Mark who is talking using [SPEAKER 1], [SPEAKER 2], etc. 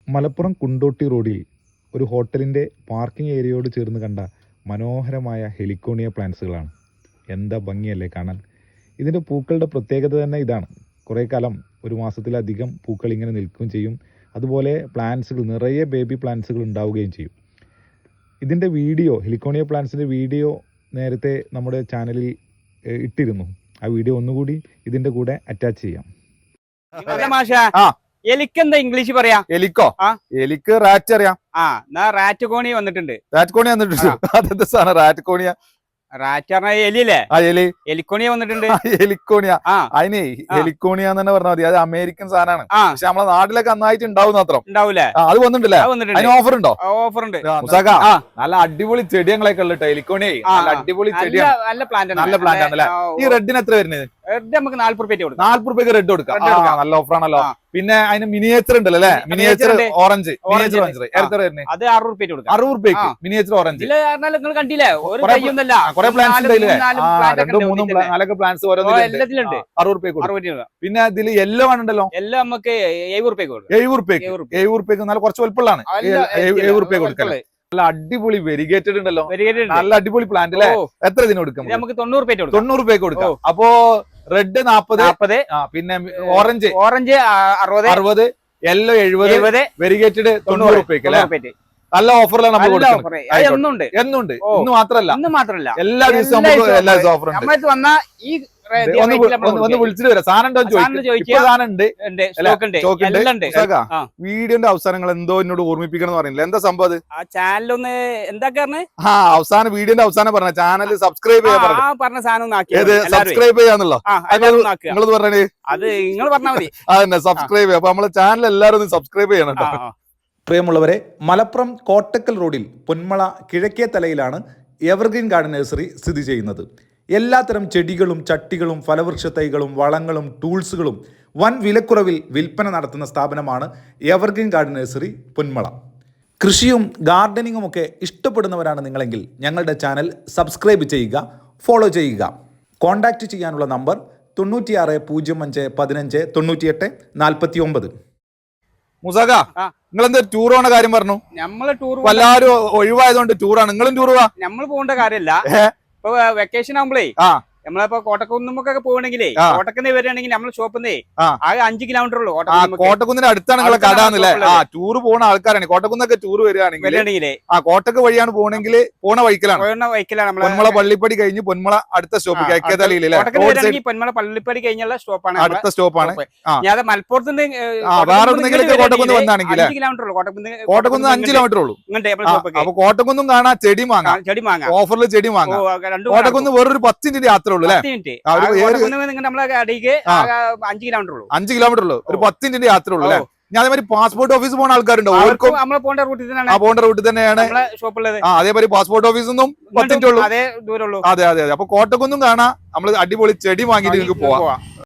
[SPEAKER 1] മലപ്പുറം കുണ്ടോട്ടി റോഡിൽ ഒരു ഹോട്ടലിൻ്റെ പാർക്കിംഗ് ഏരിയയോട് ചേർന്ന് കണ്ട മനോഹരമായ ഹെലിക്കോണിയ പ്ലാന്റ്സുകളാണ്. എന്താ ഭംഗിയല്ലേ കാണാൻ. ഇതിൻ്റെ പൂക്കളുടെ പ്രത്യേകത തന്നെ ഇതാണ്. കുറേ കാലം, ഒരു മാസത്തിലധികം പൂക്കൾ ഇങ്ങനെ നിൽക്കുകയും ചെയ്യും. അതുപോലെ പ്ലാന്റ്സുകൾ, നിറയെ ബേബി പ്ലാന്റ്സുകൾ ഉണ്ടാവുകയും ചെയ്യും. ഇതിൻ്റെ വീഡിയോ, ഹെലിക്കോണിയ പ്ലാന്റ്സിൻ്റെ വീഡിയോ നേരത്തെ നമ്മുടെ ചാനലിൽ ഇട്ടിരുന്നു. ആ വീഡിയോ ഒന്നുകൂടി ഇതിൻ്റെ കൂടെ അറ്റാച്ച് ചെയ്യാം.
[SPEAKER 2] എലിക്കെന്താ ഇംഗ്ലീഷ് പറയാ?
[SPEAKER 3] എലിക്കോ? എലിക്ക് റാറ്റ് അറിയാം.
[SPEAKER 2] റാറ്റ് കോണി വന്നിട്ടുണ്ട്.
[SPEAKER 3] റാറ്റ് കോണി വന്നിട്ടുണ്ട്. അതെന്താ സാധനം റാറ്റ് കോണിയ?
[SPEAKER 2] റാറ്റ് പറഞ്ഞ എലിയല്ലേ?
[SPEAKER 3] എലി
[SPEAKER 2] എലിക്കോണിയ വന്നിട്ടുണ്ട്.
[SPEAKER 3] എലിക്കോണിയ. അതിനെ എലിക്കോണിയ എന്ന് തന്നെ പറഞ്ഞാൽ മതി. അത് അമേരിക്കൻ സാധനമാണ്. പക്ഷെ നമ്മളെ നാട്ടിലൊക്കെ നന്നായിട്ട് ഉണ്ടാവും മാത്രം.
[SPEAKER 2] ഉണ്ടാവൂലേ?
[SPEAKER 3] അത് വന്നിട്ടില്ലേ? അതിന് ഓഫർ ഉണ്ടോ?
[SPEAKER 2] ഓഫർ ഉണ്ട്.
[SPEAKER 3] നല്ല അടിപൊളി ചെടികളൊക്കെ ഉള്ള എലിക്കോണിയ. നല്ല അടിപൊളി ചെടിയാണ്.
[SPEAKER 2] നല്ല പ്ലാന്റ്,
[SPEAKER 3] നല്ല പ്ലാന്റ് ആണല്ലേ? ഈ റെഡിന് എത്ര വരുന്നത്?
[SPEAKER 2] നമുക്ക് 40 രൂപ കൊടുക്കാം.
[SPEAKER 3] 40 രൂപയ്ക്ക് റെഡ് കൊടുക്കാം. നല്ല ഓഫറാണല്ലോ. പിന്നെ അതിന് മിനിയേച്ചർ ഉണ്ടല്ലോ അല്ലെ? Miniature orange. മിനിയേച്ചർ ഓറഞ്ച് എത്ര വരുന്നത്?
[SPEAKER 2] അത് 60 രൂപ കൊടുക്കാം.
[SPEAKER 3] 60 രൂപയ്ക്ക് മിനിയേച്ചർ ഓറഞ്ച്.
[SPEAKER 2] നിങ്ങൾ കണ്ടില്ലേ?
[SPEAKER 3] കുറെ പ്ലാന്റ്സ് ഉണ്ടായില്ലേ? 2-3 നാലൊക്കെ പ്ലാന്റ്സ്
[SPEAKER 2] എല്ലാത്തിലുണ്ട്.
[SPEAKER 3] 60 രൂപയ്ക്ക്. പിന്നെ ഇതിൽ യെല്ലോ ആണുണ്ടല്ലോ.
[SPEAKER 2] എല്ലാം നമുക്ക് 70 രൂപയ്ക്ക് കൊടുക്കും.
[SPEAKER 3] 70 രൂപയ്ക്ക് നല്ല കുറച്ച് വലുപ്പമുള്ളതാണ്. 70 രൂപയ്ക്ക് കൊടുക്കാം. നല്ല അടിപൊളി വെരിഗേറ്റഡ് ഉണ്ടല്ലോ. നല്ല അടിപൊളി പ്ലാന്റ് അല്ലേ? എത്ര ഇതിന് കൊടുക്കാം?
[SPEAKER 2] നമുക്ക് 90 രൂപ കൊടുക്കാം.
[SPEAKER 3] 90 രൂപയ്ക്ക് കൊടുക്കാം. അപ്പോ റെഡ് 40, പിന്നെ ഓറഞ്ച് 60, യെല്ലോ 70, വെരിഗേറ്റഡ് 90 രൂപയ്ക്ക് അല്ലേ? നല്ല ഓഫറിലാണ് നമ്മൾ കൊടുക്കുന്നത്. എന്നുണ്ട്. ഇന്ന് മാത്രല്ല, എല്ലാ ദിവസവും എല്ലാ ദിവസവും ഓഫർ ഉണ്ട്. ഒന്ന് വിളിച്ചിട്ട് വരാം. സാധനം വീഡിയോന്റെ അവസാനങ്ങൾ എന്തോ എന്നോട് ഓർമ്മിപ്പിക്കണം എന്ന് പറയുന്നില്ല. എന്താ സംഭവം?
[SPEAKER 2] ചാനലൊന്ന് എന്താ
[SPEAKER 3] അവസാനം വീഡിയോന്റെ അവസാനം പറഞ്ഞ ചാനൽ സബ്സ്ക്രൈബ്
[SPEAKER 2] പറഞ്ഞ സാധനം
[SPEAKER 3] സബ്സ്ക്രൈബ് ചെയ്യാന്നുള്ളോ? നിങ്ങളത് പറഞ്ഞേ.
[SPEAKER 2] അത് നിങ്ങൾ പറഞ്ഞാൽ മതി.
[SPEAKER 3] അതന്നെ, സബ്സ്ക്രൈബ് ചെയ്യാം. അപ്പൊ നമ്മളെ ചാനൽ എല്ലാവരും ഒന്ന് സബ്സ്ക്രൈബ് ചെയ്യണം കേട്ടോ.
[SPEAKER 1] പ്രിയമുള്ളവരെ, മലപ്പുറം കോട്ടക്കൽ റോഡിൽ പൊന്മള കിഴക്കേ തലയിലാണ് എവർഗ്രീൻ ഗാർഡൻ നഴ്സറി സ്ഥിതി ചെയ്യുന്നത്. എല്ലാത്തരം ചെടികളും ചട്ടികളും ഫലവൃക്ഷ തൈകളും വളങ്ങളും ടൂൾസുകളും വൻ വിലക്കുറവിൽ വിൽപ്പന നടത്തുന്ന സ്ഥാപനമാണ് എവർഗ്രീൻ ഗാർഡൻ നഴ്സറി പൊന്മള. കൃഷിയും ഗാർഡനിങ്ങും ഒക്കെ ഇഷ്ടപ്പെടുന്നവരാണ് നിങ്ങളെങ്കിൽ ഞങ്ങളുടെ ചാനൽ സബ്സ്ക്രൈബ് ചെയ്യുക, ഫോളോ ചെയ്യുക. കോൺടാക്റ്റ് ചെയ്യാനുള്ള നമ്പർ 96 05 15 98 49.
[SPEAKER 3] മുസാക, നിങ്ങൾ എന്താ ടൂർ പോണ കാര്യം പറഞ്ഞു?
[SPEAKER 2] നമ്മള് ടൂർ
[SPEAKER 3] എല്ലാവരും ഒഴിവായതുകൊണ്ട് ടൂറാണ്. നിങ്ങളും ടൂർ പോവാ?
[SPEAKER 2] നമ്മൾ പോകേണ്ട കാര്യമല്ല. ഇപ്പൊ വെക്കേഷൻ ആകുമ്പോഴേ നമ്മളിപ്പോ കോട്ടക്കുന്നുമൊക്കെ പോകണമെങ്കിലേ, കോട്ടക്കുന്ന് വരികയാണെങ്കിൽ നമ്മൾ ഷോപ്പിന്നേ ആകെ 5 കിലോമീറ്റർ ഉള്ളൂ.
[SPEAKER 3] കോട്ടക്കുന്നിന്റെ അടുത്താണ് നിങ്ങളെ കടാന്നല്ലേ? ടൂർ പോകുന്ന ആൾക്കാരാണ്. കോട്ടക്കുന്നൊക്കെ ടൂർ വരികയാണെങ്കിൽ കോട്ടക്ക് വഴിയാണ് പോകണമെങ്കിൽ പോണ വൈക്കലാണ്. പൊന്മള പള്ളിപ്പടി കഴിഞ്ഞ് പൊന്മള അടുത്ത സ്റ്റോപ്പ്
[SPEAKER 2] പൊന്മള പള്ളിപ്പടി കഴിഞ്ഞുള്ള സ്റ്റോപ്പാണ്,
[SPEAKER 3] അടുത്ത സ്റ്റോപ്പാണ്.
[SPEAKER 2] ഞാൻ മലപ്പുറത്ത്
[SPEAKER 3] വേറെ കോട്ടക്കുന്ന് വന്നാണെങ്കിൽ കോട്ടക്കുന്ന് 5 കിലോമീറ്റർ ഉള്ളൂ. അപ്പൊ കോട്ടക്കുന്നും കാണാം, ചെടി വാങ്ങാം. ഓഫറിൽ ചെടി വാങ്ങാം. കോട്ടക്കുന്ന് വേറൊരു 10 മിനിറ്റ് യാത്ര
[SPEAKER 2] 5
[SPEAKER 3] കിലോമീറ്റർ ഉള്ളൂ. ഒരു 10 മിനിറ്റ് യാത്ര ഉള്ളൂ അല്ലേ? ഞാൻ അതേമാതിരി പാസ്പോർട്ട് ഓഫീസ് പോകുന്ന ആൾക്കാരുണ്ടോ?
[SPEAKER 2] പോകേണ്ട റൂട്ടിൽ
[SPEAKER 3] തന്നെയാണ് ഷോപ്പുള്ളത്. അതേമാതിരി പാസ്പോർട്ട് ഓഫീസിൽ നിന്നും 10 മിനിറ്റ് ഉള്ളൂ. അതെ. അപ്പൊ കോട്ടക്കുന്നും കാണാം. നമ്മള് അടിപൊളി ചെടി വാങ്ങിയിട്ട് നിങ്ങൾക്ക് പോവാം.